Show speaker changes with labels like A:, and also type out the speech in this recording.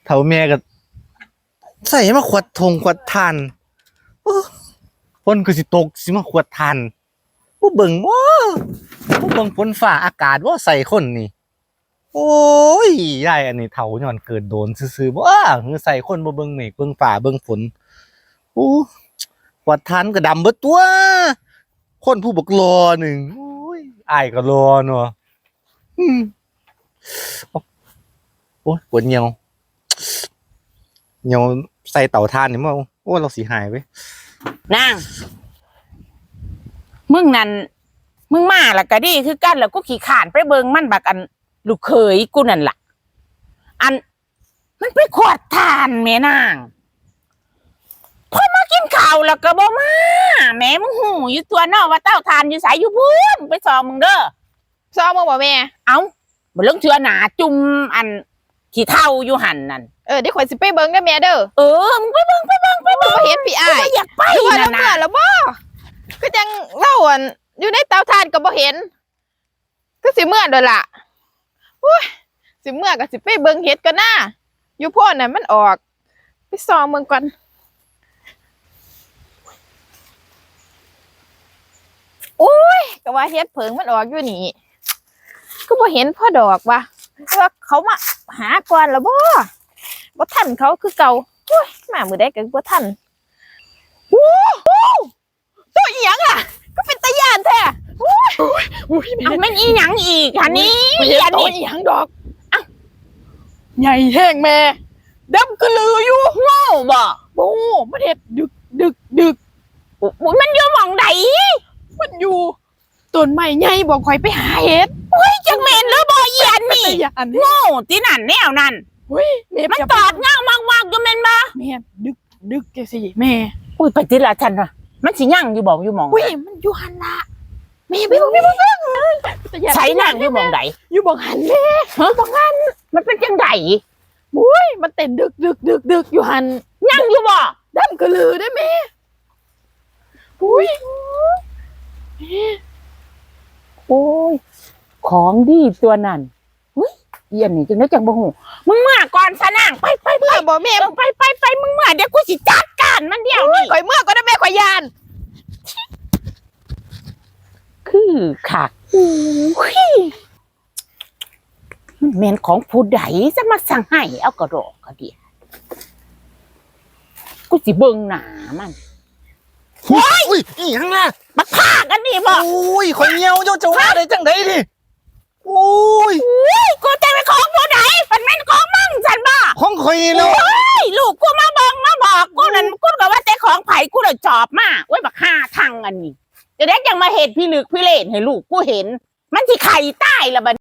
A: เฒ่าแม่ก็ใส่มาขวดทงขวดทานฝนก็สิตกสิมาขวดทานบ่เบิ่งบ่เบิ่งฝนฟ้าอากาศบ่ใส่คนนี่โอ้ยยายอันนี้เฒ่าย้อนเกิดโดนซื่อๆบ่หือใส่คนบ่เบิ่งเมฆเบิ่งฟ้าเบิ่งฝนโอ้ขวดทานก็ดำเบิดตัวคนผู้บักรอหนึ่งโอ้ยอ้ายก็รอเนาะโอ้ยปวดเหี่ยวใส่เต่าถ่านนี่มั้งโอ้เราสิหายเว้ย
B: นางมึงนั่นมึงมาแล้วก็ดีคือกันแล้วกูขี้ข่านไปเบิ่งมันบักอันลูกเขยกูนั่นล่ะอันมันไปขวดทานแม่นางพอมากินข้าวแล้วก็บ่มาแม่มึงหูอยู่ตัวเนาะว่าเต้าทานอยู่ไสอยู่พุ่นไปซองมึงเด้อ
C: ซองมึงบ่แม่
B: เอ้าบ่เรื่องเชื่อหนาจุ่มอันขี้เท่าอยู่หั่นนั่น
C: เดี๋ยวข่อยสิไปเบิ่งเด้อแม่เด้อ
B: มึงไปเบิ่ง
C: บ่เห็นพี่อ้าย
B: อยากไป
C: นั่นน่ะแล้วบ่ก็จังเล่าอันอยู่ในเตาถ่านก็บ่เห็นก็สิเมื่อโดนล่ะโอ้ยสิเมื่อก็สิไปเบิ่งเฮ็ดกันนะอยู่โพดน่ะมันออกไปซองเบิ่งก่อนโอ้ยก็ว่าเฮ็ดเผิงมันออกอยู่นี่ก็บ่เห็นพ่อดอกว่ะว่าเขามาหาก่อนแล้วบ่ทันเขาคือเก่าโอ้ยมามื้อใดก็บ่ทันโอ้ตัวอีหยังอ่ะก็เป็นตาย่านแท้โอ้ย
B: เอามันอีหยังอีกอันนี้
C: อันนี้อีหยังดอกอ้าวใหญ่แห้งแม่ดำกระลืออยู่
B: โง่บ่
C: โอ้มันเฮ็ดดึก
B: มันอยู่หม่องใด
C: มันอยู่ต้นไม้ใหญ่บอกข่อยไปหาเฮ็ด
B: เฮ้ยจังแม่นหรือบ่อีอันนี่โง่ที่นั่นแนวนั้น
C: เฮ้ย
B: มันตอดเงามากๆอยู่แม่นบ่
C: แม่ดึกจังซี่แม่
B: อุ้ยไปติละฉันว่ะมันสิยั่งอยู่บ่อยู่หม่อง
C: อุ้ยมันอยู่หั่นล่ะแม่ไปบ่
B: ใช้นั่งอยู่หม่องใด
C: อยู่บ่หั่นแม่
B: บ่หั่นมันเป็นจังได๋
C: อุ้ยมันเต้นดึกอยู่หั่น
B: ยั่งอยู่บ่
C: ดำกระลือได้แม่อุ้ย
B: โอ้ยของดีตัวนั้นอุ้ยเอียนนี่จังได๋จังบ่ฮู้มึงมาก่อนซะนางไป
C: บ่แม่
B: ไปมึงมาเดี๋ยวกูสิจัดการมันเดี๋ยวนี้
C: ข่อยเมื่อก็ได้แม่ข่อยยาน
B: คือคักอุ้ยมันแม่นของผู้ใดจะมาสั่งให้เอากระดอกกระเดียกูสิเบิ่งหน้ามัน
A: อุ้ยอีหยังล่ะ
B: มาพากันนี่บ่
A: โอ้ยคนเหี่ยวเจ้าจะว่าได้จังได๋ดิโอ้ย
B: กูจะเป็นของผู้ใดมันแม่นของมึงซั่นบ่
A: ของข่อยนี่เนาะ
B: ลูกกูมาเบิ่งมาบอกกูนั่นกูก็ว่าแต่ของไผกูเลยจอบมาโอ้ยบักห่าทางอันนี้จะได้ยังมาเฮ็ดพี่ลึกพี่เล่นให้ลูกกูเห็นมันสิไข่ใต้ละบัด